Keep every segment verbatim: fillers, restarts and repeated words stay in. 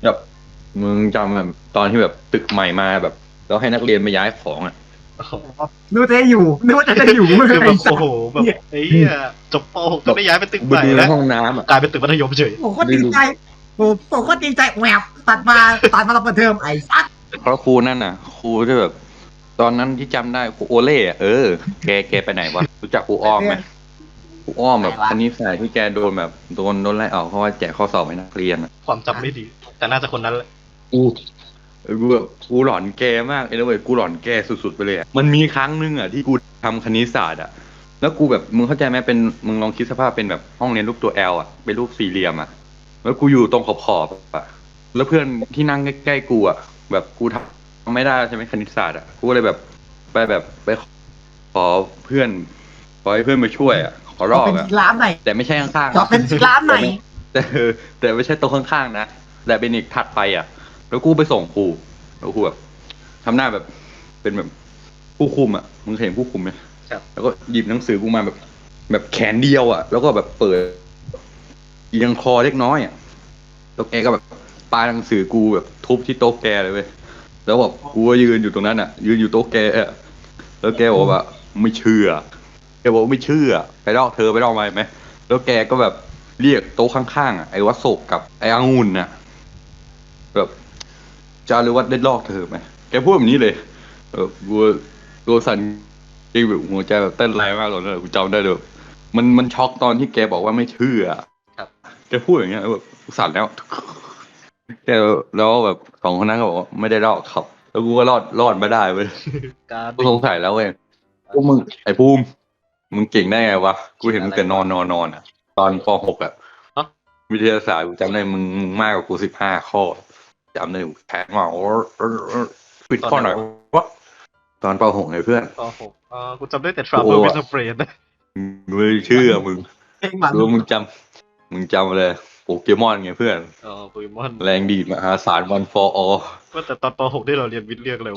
แบบมึงจำแบบตอนที่แบบตึกใหม่มาแบบแล้วให้นักเรียนมาย้ายของอ่ะนึกว่าจะได้อยู่นึกว่าจะได้อยู่คือแบบไอ้สัโอ้สโหแบบไอ้เหี้ยจบป .หก ก็ได้ย้ายไปตึกกูใหไปม่ดูในแล้วห้องน้ำอ่ะกลายเป็นตึกมัธยมเฉยผมโคตรดีใจผมผมโคตรดีใจแหวบตัดมาตัดมาเราเปิดเทอมไอ้สัสเพราะครูนั่นน่ะครูที่แบบ ตอนนั้นที่จำได้ครูโอเล่อะเออแกแกไปไหนวะรู้จักครูอ้อมไหมครูอ้อมแบบคณิตศาสตร์ที่แกโดนแบบโดนโดนไล่ออกเพราะว่าแจกข้อสอบให้นักเรียนอ่ะความจำไม่ดี แต่น่าจะคนนั้นแหละกูเออกูแบบกูหลอนแกมากเอ้ยเว้ยกูหลอนแกสุดๆไปเลยอะมันมีครั้งหนึงอ่ะที่กูทำคณิตศาสตร์อ่ะแล้วกูแบบมึงเข้าใจไหมเป็นมึงลองคิดสภาพเป็นแบบห้องเรียนรูปตัวแอลอ่ะเป็นรูปสี่เหลี่ยมอ่ะแล้วกูอยู่ตรงขอบๆอ่ะแล้วเพื่อนที่นั่งใกล้ๆกูอ่ะแบบกูทำไม่ได้ใช่ไหมคณิตศาสตร์อ่ะกูเลยแบบไปแบบไปขอเพื่อนขอให้เพื่อนมาช่วยอ่ะขอขรออบเป็นอ่ะร้านไหนแต่ไม่ใช่ข้างๆขอเป็นร้านไหนแต่ไม่แต่เออแต่ไม่ใช่โต๊ะข้างๆนะแต่เป็นอีกถัดไปอ่ะ แล้วกูไปส่งครูแล้วครูแบบทำหน้าแบบเป็นแบบผู้คุมอ่ะมึงเห็นผู้คุมไหมครับแล้วก็หยิบหนังสือกูมาแบบ แบบแขนเดียวอ่ะ แล้วก็แบบเปิดเอียงคอเล็กน้อยอ่ะแล้วแกก็แบบปาหนังสือกูแบบทุบที่โต๊ะแกเลยเว้ยแล้วแบบกูก็ยืนอยู่ตรงนั้นอ่ะ ยืนอยู่โต๊ะแกอะแล้วแกบอกว่าไม่เชื่อแกบอกไม่เชื่อไปลอกเธอไปลอกมาไหมแล้วแกก็แบบเรียกโต๊ะข้างๆอ่ะไอ้วัดโศกกับไอ้องุ่นน่ะแบบจารุวัฒน์ได้ลอกเธอไหมแกพูดแบบนี้เลย เออกูตัวสั่นจริงแบบหัวใจแบบเต้นแรงมากตอนนั้นกูจำได้เลยมันมันช็อกตอนที่แกบอกว่าไม่เชื่อครับแกพูดอย่างเงี้ยแบบกูสั่นแล้วแกแล้วแบบสองคนนั้นก็บอกว่าไม่ได้รอดครับ แล้วกูก็รอดรอดมาได้เว้ยการกูสงสัยแล้วเว้ยพวกมึงไอ้ภูมิมึงเก่งได้ไงวะกูเห็นมึงแต่นอนนอนนอนอ่ะ ตอนป .หก อ่ะเอ้าวิทยาศาสตร์กูจำได้มึงมึงมากกว่ากูสิบห้าข้อจำได้กูแทงมาโอ้ปิดข้อหน่อยวะตอนป .หก ไงเพื่อนป .หก เออกูจำได้แต่ Trouble with a Friend นะมึงไม่เชื่อมึงเพลงหมันรู้มึงจำมึงจำเลยโปเกมอนไงเพื่อนอ๋อโปเกมอนแรงดีดมหาศาลวัน for all ว่าแต่ตอนป .หก ที่เราเรียนวิทย์เรียกเร็ว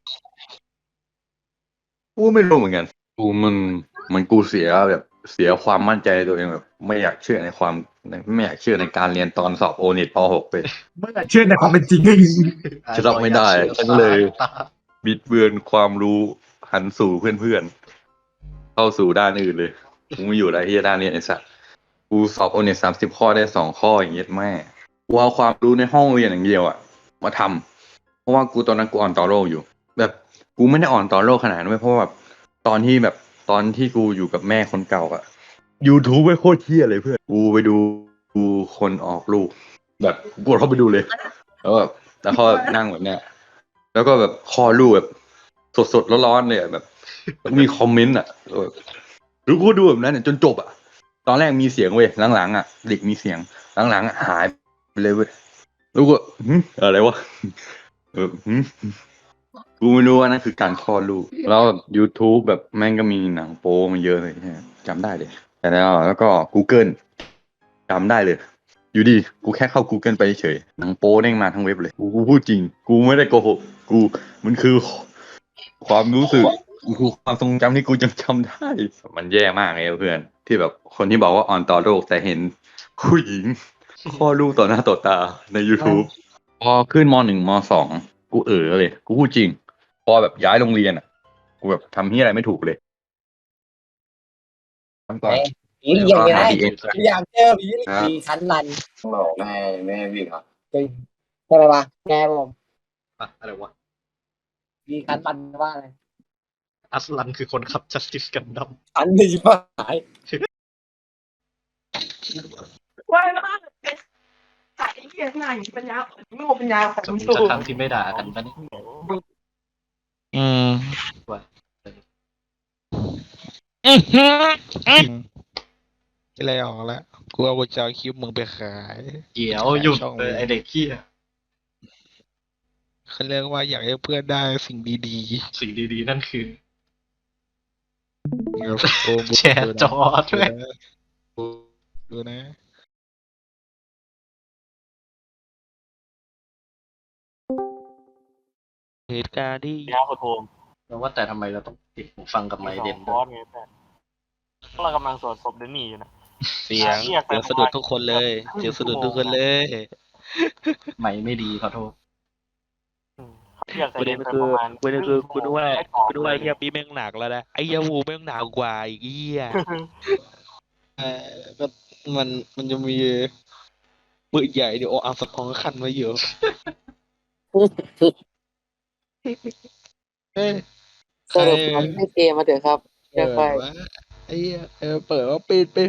กูไม่รู้เหมือนกันกูมันมันกูเสียแบบเสียความมั่นใจในตัวเองแบบ ไม่อยากเชื่อในความไม่อยากเชื่อในการเรียนตอนสอบโอเน็ตป .หก ไปเมื่อเชื่อในความเป็นจริงจะรับไม่ได้ฉันเลย บิดเบือนความรู้หันสู่เพื่อนๆเข้าสู่ด้านอื่นเลยกูไม่อยู่ได้ที่ด้านเรียนไอ้สัสกูสอบโอเน็ตสามสิบข้อได้สองข้ออย่างเงี้ยแม่กูเอาความรู้ในห้องเรียนอย่างเดียวอะมาทำเพราะว่ากูตอนนั้นกูอ่อนต่อโลกอยู่ แบบกูไม่ได้อ่อนต่อโลกขนาดนั้นเว้ยเพราะว่าแบบตอนที่แบบตอนที่กูอยู่กับแม่คนเก่าอะ YouTube ไม่โคตรเที่ยเลยเพื่อนกูไปดูดูคนออกลูก แบบกูกดเข้าไปดูเลย แล้วแบบแล้วเขาแบบนั่งแบบเนี้ย แล้วก็แบบคอรูปแบบสดๆร้อนๆเลยอะแบบแล้วก็มีคอมเมนต์อ่ะแบบหรือกูก็ดูแบบนั้นเนี่ยจนจบอ่ะ ตอนแรกมีเสียงเว้ยหลังๆอ่ะเด็กมีเสียงหลังๆอะหายไปเลยเว้ยแล้วก็หึอะไรวะเออหึกูไม่รู้ว่านั่นคือการคลอดลูกแล้วแบบ YouTube แบบแม่งก็มีหนังโป๊มาเยอะเลยใช่ไหมจำได้เลยแต่แล้วแล้วก็ Google จำได้เลย อยู่ดีกูแค่เข้า Google ไปเฉยหนังโป๊เด้งมาทั้งเว็บเลยกูกูพูดจริง กูไม่ได้โกหกกูมันคือความรู้สึกมันคือความทรงจำที่กูยังจำได้ มันแย่มากเลยเพื่อน ที่แบบคนที่บอกว่าอ่อนต่อโลกแต่เห็นผู้หญิงคลอดลูกต่อหน้าต่อตาใน YouTube พอขึ้นมหนึ่งมสองกูเออเลย กูพูดจริง พอแบบย้ายโรงเรียนอ่ะ กูแบบทำที่อะไรไม่ถูกเลยทำก่อนผีเรียงไงหา ดี เอ็มอยากเจอผีผีคันลันบอกแม่แม่วิ่งครับจริงใช่ไหมวะแกผมอะอะไรวะผีคันลันว่าอะไรอัสลันคือคนขับ Justice Gundam อันนี้ว่าหายว่าแล้วใส่เหี้ยหน้าอย่างปัญญาอ่อนโง่ปัญญาอ่อนจะมีตัวสักครั้งที่ไม่ด่ากันปะเนี่ยอืมว่าอื้อหืออื้ออะไรออกแล้วกูเอากุญแจคลิปมึงไปขายเกี่ยวหยุดเลยไอเด็กขี้ยเขาเรียกว่าอยากให้เพื่อนได้สิ่งดีสิ่งดีๆ นั่นคือๆเดี๋ยวโอ้มึงแชร์จอด้วยดูนะ เหตุการณ์ที่ยาคนโฮมแล้วว่าแต่ทำไมเราต้องติดหูฟังกับไมค์เด่นคอร์สไงแต่เรากำลังสวดศพเดนนี่อยู่นะเสียงเรียกไปเสียงสะดุดทุกคนเลยเสียงสะดุดทุกคนเลยไม่ไม่ดีขอโทษอยากประเด็นไปคือประมาณประเด็นคือกูนึกว่าไอ้กรอบกูนึกว่าไอ้เลเฮียปีแม่งหนักแล้วนะไอ้เฮียวูแม่งหนักกว่าอีกเฮียเออก็มันมันจะมีปืนใหญ่เดี๋ยวเอาสกองขั้นไว้อยู่เอ้ยสรุปมันให้เกมมาเถอะครับเออวะไอ้เหี้ยเออเปิดว่าปิดปิด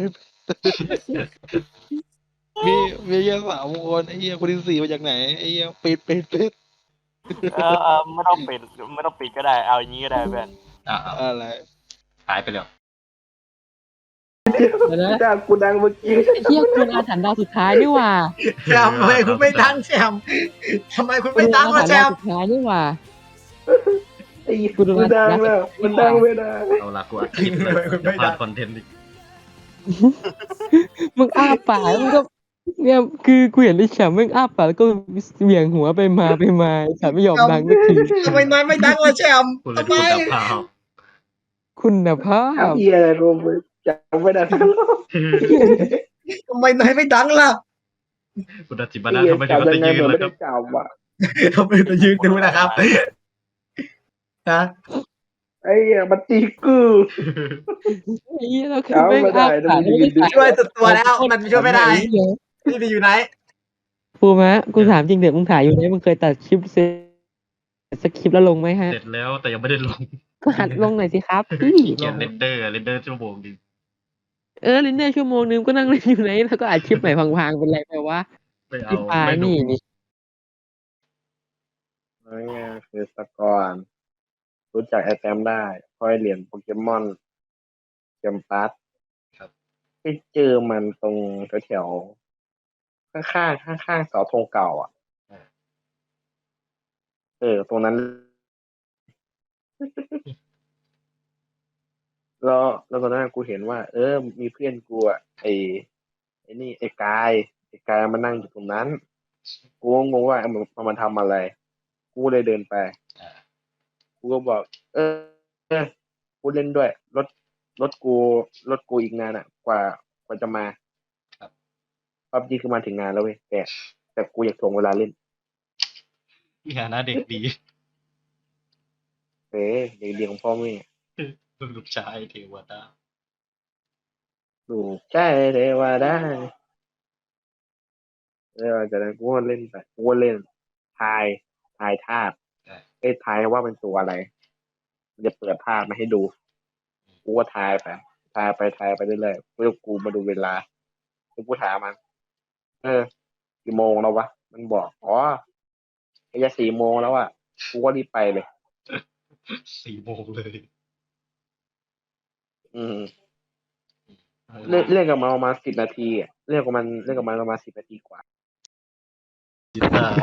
มีมีแค่สามคนไอ้เหี้ยคนที่สี่มาจากไหนไอ้เหี้ยปิดปิดปิดเออเออไม่ต้องปิดไม่ต้องปิดก็ได้เอาอย่างนี้ก็ได้เพื่อนอ่าอะไรหายไปแล้วเดี๋ยวนะด่ากูดังเมื่อกี้ไอ้เที่ยคุณอาถรรพ์ดาวสุดท้ายนี่หว่าแชมป์ทำไมคุณไม่ดังแชมป์ทำไมคุณคุไม่ณดัอาง ถรล่ะรพ์แชดาวมป์สุดท้ายนี่หว่าไอ้กูดูกูดังแล้วมันดังไม่ได้เอาละกูอัดคลิปเลยจะพลาดคอนเทนต์อีกมึงอ้าปากแล้วมึงก็เนี่ยคือกูเห็นไอ้แฉมมึงอ้าปากแล้วก็เหวี่ยงหัวไปมาไปมาไอ้ฉันไม่ยอมดังสักทีทำไมนายไม่ดังล่ะแชมป์กูเลยทำไมพูดกับพาวคุณภาพเฮียอะไรกูจำไม่ได้ทั้งรอบทำไมนายไม่ดังล่ะคุณอาจิบานะทำไมถึงมาจำจะยังไงยืเหมือนนแล้ไม่วคได้รับจำว่ะทำไมจะยืนดูนะครับนะไอ้เหี้ยมันตีกูไอ้เหี้ยเราคือเอาไม่ไม่ได้อ้านะปากมึงยืนดูช่วยสุดตัวแล้วมันช่วยไม่ได้พี่ดีอยู่ไหนปูมะกูถามจริงเดี๋ยวมึงถ่ายอยู่ไหนมึงเคยตัดคลิปเสร็จสักคลิปแล้วลงไหมฮะเสร็จแล้วแต่ยังไม่ได้ลงก็หัดลงหน่อยสิครับพี่เขียนเรนเดอร์เรนเดอร์ชั่วโมงดิเออลินเนอร์ชั่วโมงนึงก็นั่งเล่นอยู่ไหนแล้วก็อัดคลิปใหม่พังๆเป็นไรไปวะไม่เอาพี่ปาไม่ดูนี่นี่นั่นไงคือสกอร์รู้จักไอแตมได้เพราะไอเหรียญโปเกมอนเกมปัสครับไปเจอมันตรงแถวๆข้างๆข้างๆเสาธงเก่าอ่ะ เออ ตรงนั้น แล้วแล้วตอนนั้นกูเห็นว่า เออ มีเพื่อนกูอ่ะไอไอนี่ไอกายไอกายมานั่งอยู่ตรงนั้น กูก็งงว่ามันมันมาทำอะไร กูเลยเดินไปอ่ากูก็บอก เออ เออ กูเล่นด้วย รถ รถกู รถกูอีกนานอ่ะ กว่ากว่าจะมาครับปั๊บจีคือมาถึงงานแล้วเว้ยแต่แต่กูอยากถ่วงเวลาเล่นงานหน้าเด็กดีเอ้ยเด็กดีของพ่อแม่ลูกชายเทวดาลูกใช่เทวดาแล้วจากนั้นกูก็เล่นไปกูก็เล่นทายทายธาตุอ่าเอ้ยทายว่าเป็นตัวอะไร มันจะเปิดภาพมาให้ดู กูก็ทายไป ทายไปทายไปเรื่อยๆเพื่อกูมาดูเวลาแล้วกูถามมัน เออ กี่โมงแล้ววะ มันบอก อ๋อไอ้จะสี่โมงแล้วอ่ะ กูก็รีบไปเลยสี่โมงเลยอืมเล่นเล่นกับมันประมาณสิบนาทีอะเล่นกับมันเล่นกับมันประมาณสิบนาทีกว่าจิตตา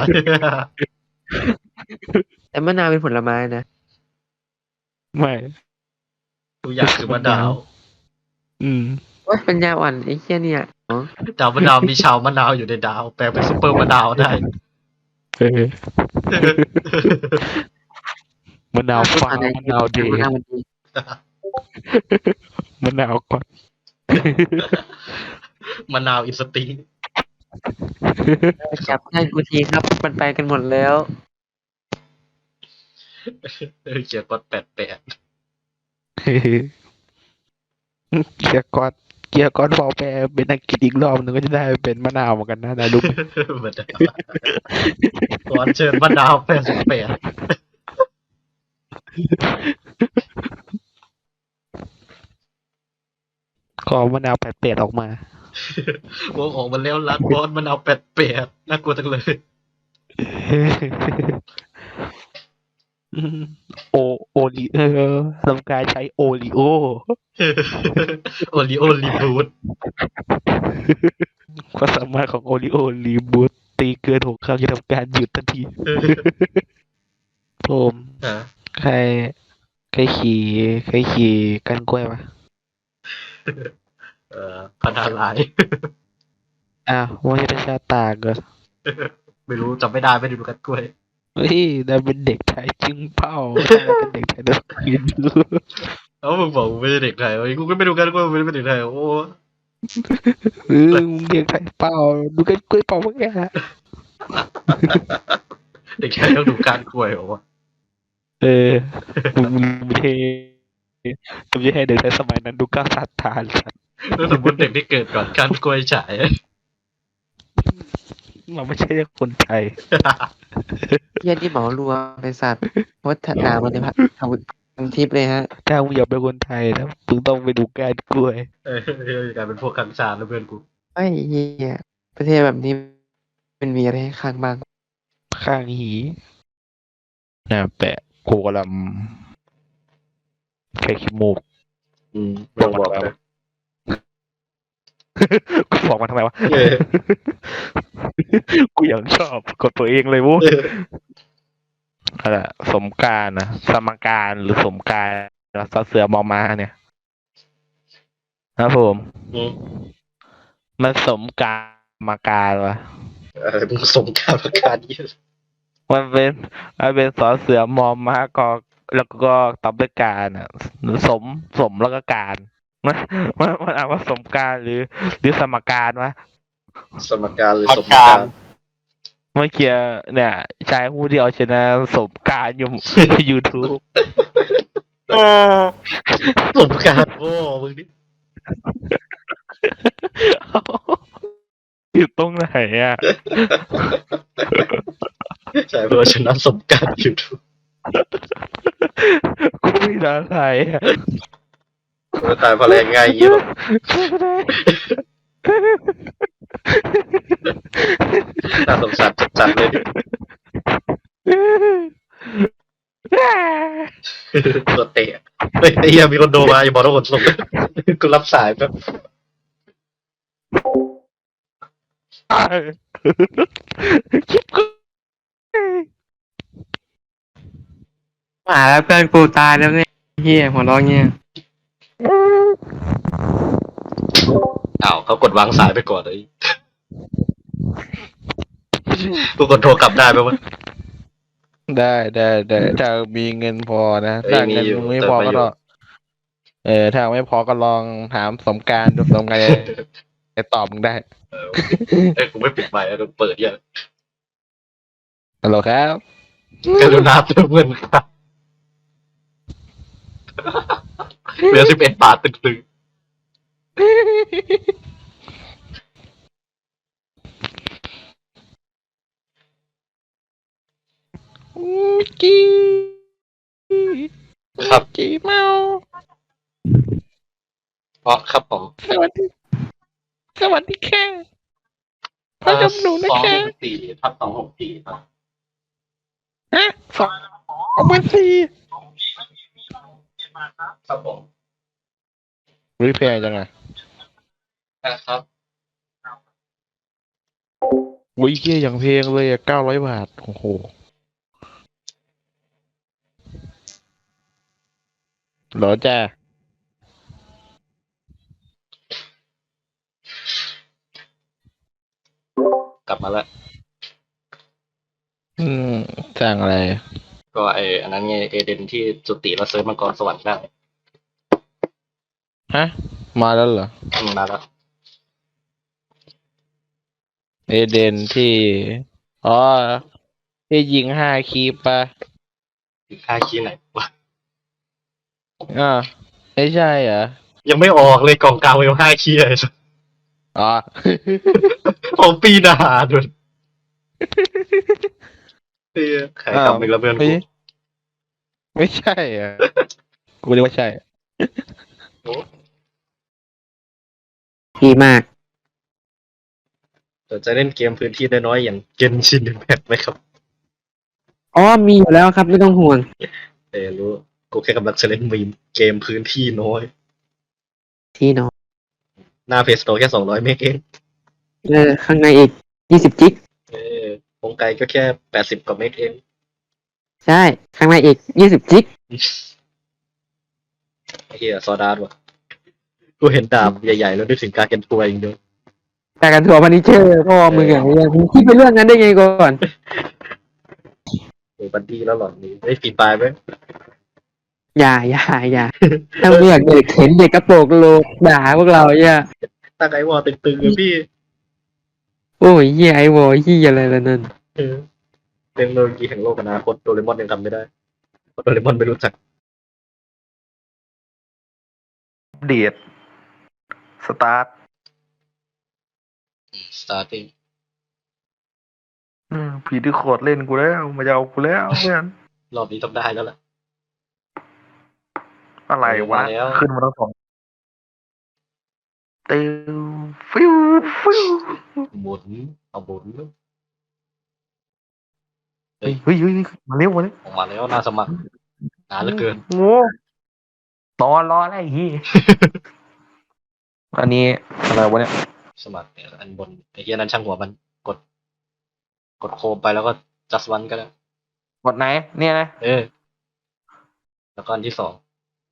แต่มะนาวเป็นผลไม้นะไม่ทุกอย่างคือมะนาวอืมว่าปัญญาอ่อนไอ้เหี้ยเนี่ยอ๋อดาวมะนาวมีชาวมะนาวอยู่ในดาว แปลเป็นซุปเปอร์มะนาวได้เออมะนาวฟ้ามะนาวดีมะนาวมันดีมะนาวก่อนมะนาวอินสติ้งจับให้กูทีครับมันไปกันหมดแล้วเออเขียนกดแปดแปดเกียร์กอดเกียร์กอดพอแปลเป็นอังกฤษอีกรอบหนึงก็จะได้เป็นมะนาวเหมือนกันนะนะลูกมะนาวขอเชิญมะนาวแปดสิบแปดขอมะนาวแปดเปดออกมาวงออกมาแล้วรัดบอสมะนาวแปดแปดน่ากลัวจังเลยโอโอริเออทำการใช้โอริโอโอริโอรีบูทความสามารถของโอริโอรีบูตตีเกินหกครั้งจะทำการหยุดทันทีโทมอ่ะใครใครขี่ใครขี่กันกล้วยปะเอ่อพันธาลายอ้าวว่าจะเป็นชาตากเหรอไม่รู้จำไม่ได้ไม่ได้ดูกันกล้วยเฮ้ยเราเป็นเด็กไทยจึงเป้าเราเป็นเด็กไทยเราคิดดูเอ้ามึงบอกมึงไม่ใช่เด็กไทยเว้ยกูก็ไม่ดูกันกล้วยมึงไม่ได้เป็นเด็กไทยโอ้เออมึงเด็กไทยเป้าดูกันกล้วยเป้าเมื่อกี้เด็กชายต้องดูการกล้วยเหรอวะเออมึงมึงไม่ใช่มึงไม่ใช่เด็กในสมัยนั้นดูก้าวซาตานแล้วสมมติเด็กที่เกิดก่อนการกล้วยฉายเราไม่ใช่คนไทยเฮียที่เหมารวมบริษัทวัฒนาบริพัตรทำทำทิปเลยฮะถ้ามึงอยากเป็นคนไทยนะมึงต้องไปดูการกล้วยเออกลายเป็นพวกคังชาแล้วเพื่อนกูไอ้เฮียประเทศแบบนี้มันมีอะไรให้ข้างบ้างข้างหีนะแปะโคกลำแค่ขี้มูกอืมไม่ต้องบอกนะกูบอกมันทำไมวะเออกูยังชอบกดตัวเองเลยวุ้อะไรสมการนะสมการหรือสมการซอเสือมอมาเนี่ยครับผมอืมมันสมการมาการวะอะไรมึงผสมการประการนี้มันเป็นมันเป็นสอเสือมอมาก็แล้วก็ตอบด้วยการอ่ะสมสมแล้วก็การมันมันมันอ่านว่าสมการหรือ หรือสมการวะสมการหรือสมการเมื่อกี้เนี่ยชายผู้ที่เอาชนะสมการอยู่ ยูทูบเออสมการโอ้มึงนี่อยู่ตรงไหนอ่ะใช่เพราะชนะสมการอยู่ทุกกูไม่ได้ใครอ่ะคนตายเพราะแรงง่ายยี่หรอกน่าสงสารจัดๆเลยตัวเตะเฮ้ยไอ้เหี้ยมีคนโดมาอย่าบอกว่าคนส่งกูรับสายแป๊บคิดกูมาแล้วเพื่อนกูตายแล้วเนี่ยเฮียหัวเราะเงี้ยอ้าวเขากดวางสายไปก่อนเลยกูกดโทรกลับได้ไหมวะได้ได้ได้ถ้ามีเงินพอนะเอ้ยถ้าเงินมีอยู่ไม่พอเติมไปก็อยู่ต้องเออถ้าไม่พอก็ลองถามสมการดูสมการจะตอบมึงได้เอ้ยกูไม่ปิดไมค์กูเปิดเนี่ยฮัลโหลครับกรุณาเติมเงินครับเหลือสิบเอ็ดบาทตึงจีๆครับจีเมาเพราะครับผมสวัสดีสวัสดีแค่พระจำหนูนะสองแค่หกสี่ทับสองหกสี่ครับฮะสองสองพันสี่ครับผมรีเพย์จังไงนะครับวิเกี้ยอย่างเพลงเลยอะเก้าร้อยบาทโอ้โหเหรอจ้ากลับมาแล้วอืมสร้างอะไรก็ไออันนั้นไงเอเดนที่จุติแล้วเซิร์ฟมังกรสวรรค์ได้ฮะ มาแล้วเหรออืมมาแล้วเอเดนที่ อ๋อ ที่ยิงห้าคีปปะอีกค่าคีย์ไหนวะอ่าไม่ใช่เหรอยังไม่ออกเลยกล่องกลางเวลห้าคีย์เลยอ๋อของปีหนาด้วยเฮ้ยขายกำอีกแล้วเพื่อนไม่กูไม่ใช่อ่ะ กูเรียกว่าใช่ดีมากแต่จะเล่นเกมพื้นที่น้อยๆอย่างเกนชินอิมแพคไหมครับอ๋อมีอยู่แล้วครับไม่ต้องห่วงเออรู้กูแค่กำลังจะเล่นมีมเกมพื้นที่น้อยที่นอนหน้าเพจโตแค่สองร้อยเมกเองเออข้างในอีกยี่สิบจิกเออวงไกลก็แค่แปดสิบกว่าเมกเองใช่ ข้างในอีกยี่สิบจิกไอ้เหี้ยซอดาร์ดว่ะกูเห็นดาบใหญ่ๆแล้วนึกถึงการเกนทัวร์อย่างเดียวแต่กันทัวร์พันิเชอร์พ่อมึงอย่างเงี้ยมึงคิดไปเรื่องนั้นได้ไงก่อนโอ้บันดี้แล้วหลอนนี้ได้ฟีดปลายไหมอย่าอย่าอย่าถ้ามึงอยากเด็กเห็นเด็กกระโปรงโลกด่าพวกเราเนี่ยตั้งไอวอลตึงๆเลยพี่โอ้ยเหี้ยไอ้วอเหี้ยอะไรละนั่นเออเทคโนโลยีแห่งโลกอนาคตโดเรมอนยังทำไม่ได้เพราะโดเรมอนไม่รู้จักเดียดสตาร์ท starting ผีที่โคตรเล่นกูแล้วมาจะเอากูแล้วเพื่อนรอบนี้ต้องได้แล้วล่ะอะไรวะมาแล้วขึ้นมาทั้งสองเตียวฟิวฟิวหมุนเอาหมุนเฮ้ยเฮ้ยเฮ้ยมาเร็วมาเร็วออกมาแล้วน่าสมัครนานเหลือเกินโง่นอนรออะไรฮีย อันนี้อะไรวะเนี่ยสมัครเนี่ยอันบนไอ้เหี้ยนั้นช่างหัวมันกด กดโคมไปแล้วก็ just one ก็ได้กดไหน เนี่ยนะเออ แล้วก็อันที่สอง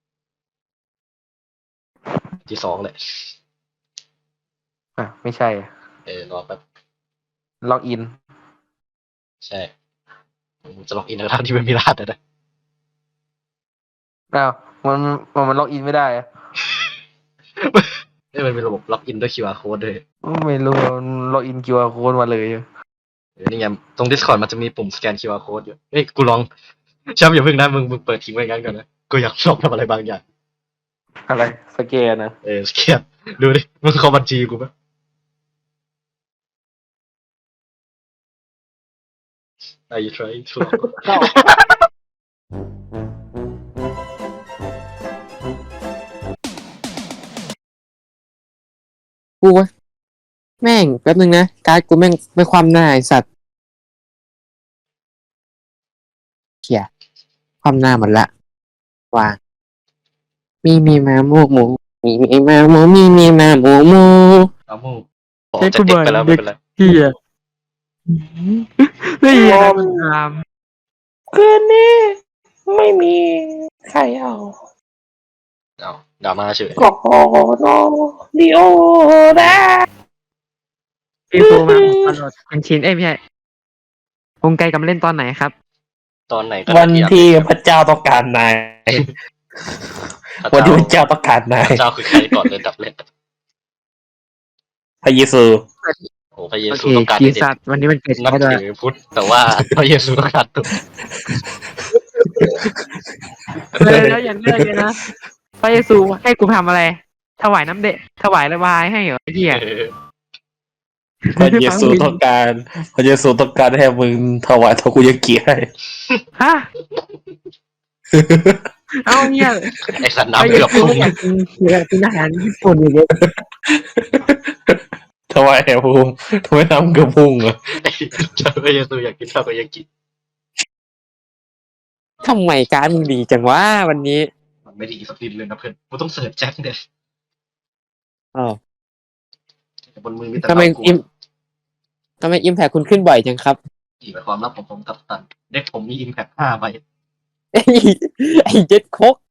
อันที่สองเลยอ่ะไม่ใช่อะเออรอแป๊บล็อกอินใช่ผมจะล็อกอินแล้วทั้งที่ไม่มีรหัสนะอ้าวมันมันมันล็อกอินไม่ได้อะเอ้ยมันเป็นระบบล็อกอินด้วย คิว อาร์ code ด้วยไม่รู้มันล็อกอิน คิว อาร์ code มาเลยเออนี่ไงตรง Discord มันจะมีปุ่มสแกน คิว อาร์ code อยู่เฮ้ยกูลองช้ำอย่าเพิ่งนะมึงมึงเปิดทิ้งไว้งั้นก่อนนะกูอยากลองทำอะไรบางอย่างอะไรสแกนนะเออสแกนดูดิมึงเข้าบัญชีกูปะ Are you trying to กูวะแม่งแป๊บนึงนะการ์ดกูแม่งไม่ความหน้าไอสัตว์เขี่ยความหน้าหมดละวางมีมีมาหมูหมูมีมีมาหมูมีมีมาหมูหมูเอามูออกจากเด็กไปแล้วไม่เป็นไรเฮียไม่ยอมตามคืนนี้ไม่มีใครเอาเอาดราม่าเฉยโอ้โหโนดิโอนะพี่ปูมาตลอดเป็นชิ้นเอ้ยไม่ใช่วงไกลกำลังเล่นตอนไหนครับตอนไหนก็วันได้ที่พระเจ้าต้องการนายพวันระที่เจ้าพระเจ้าต้องการนายพระเจ้าคือใครก่อนเลยดับเล่นพระเยซูโอ้พระเยโอซูเคต้องการกีให้เด็สักตว์วันนี้มันเกิดนับเขาด้วยถือพุทธแต่ว่าพระเยซูต้องการตัวเลยแล้วอย่างเลิกเลยนะพระเยซูให้กูทำอะไร ถวายน้ำเดะถวายระบายให้เหรอไอ้เหี้ยเออพระเยซูต้องการพระเยซูต้องการให้มึงถวายทาคุยากิให้ฮะเอาเนี่ยไอสัตว์พระน้ำเยเกือบซูพุ่งอยากกินอยากกินอาหารญี่ปุ่นอย่างเงี้ยถวายแห่ภูมิทำไมน้ำกระพุ่งอ่ะพระเยซูอยากกินข้าวก็ยังกินทำไมการดมึงดีจังวะวันนี้มันไม่ดีสักทีเลยนะเพื่อนกูต้องเสิร์ชแจ็คเนี่ยอ๋อแต่บนมือมีแต่ทำไมเรากูอิมทำไมอิมแพคคุณขึ้นบ่อยจังครับอีกความลับของผมกับตันเด็กผมมีอิมแพคห้าใบไอ้ไอ้เจ็ดโคก